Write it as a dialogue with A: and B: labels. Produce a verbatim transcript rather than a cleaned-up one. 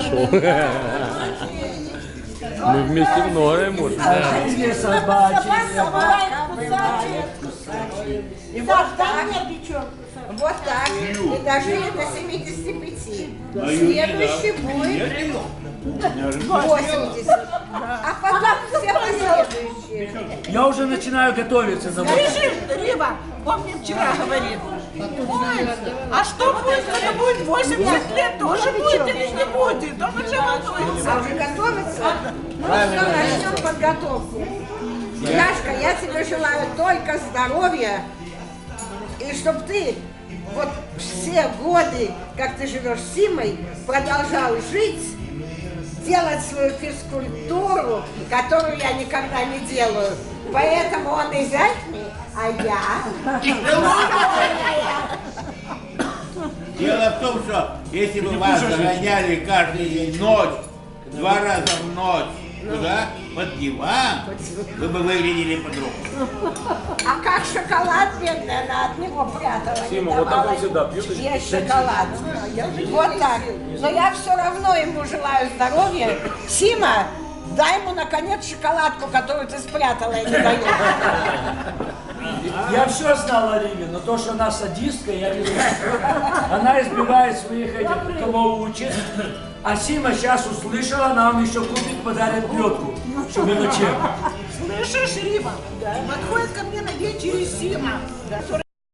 A: нашел. Мы вместе многое можем.
B: Собачки, собачки,
C: И вот так, вот так, и дожили до семидесяти пяти. Следующий будет восемьдесят. А потом все последующие.
B: Я уже начинаю готовиться на восемь.
D: Слышишь, Рима, он мне вчера говорит, ой, а что будет, когда будет восемьдесят лет, тоже будет или не будет? Он уже волнуется.
C: А уже готовится? Ну что, начнем подготовку. Яшка, я тебе желаю только здоровья, и чтобы ты вот все годы, как ты живешь с Симой, продолжал жить, делать свою физкультуру, которую я никогда не делаю. Поэтому он изящный, а я...
E: Дело в том, что если бы вас загоняли каждый день ночь, два раза в ночь, туда, под диван, вы бы выглядели по-другому.
C: А как шоколад, бедная, она от него прятала.
A: Сима, вот так он всегда пьет.
C: Есть шоколад. Вот так. Но я все равно ему желаю здоровья. Сима, дай ему, наконец, шоколадку, которую ты спрятала и не даешь.
B: Я все знал о Риме, но то, что она садистка, я не знаю. Она избивает своих этих, кого учит. А Сима сейчас услышала, нам еще купит, подарит плетку, чтобы мелочи.
D: Слышишь, Рима, подходит ко мне на вечере Сима.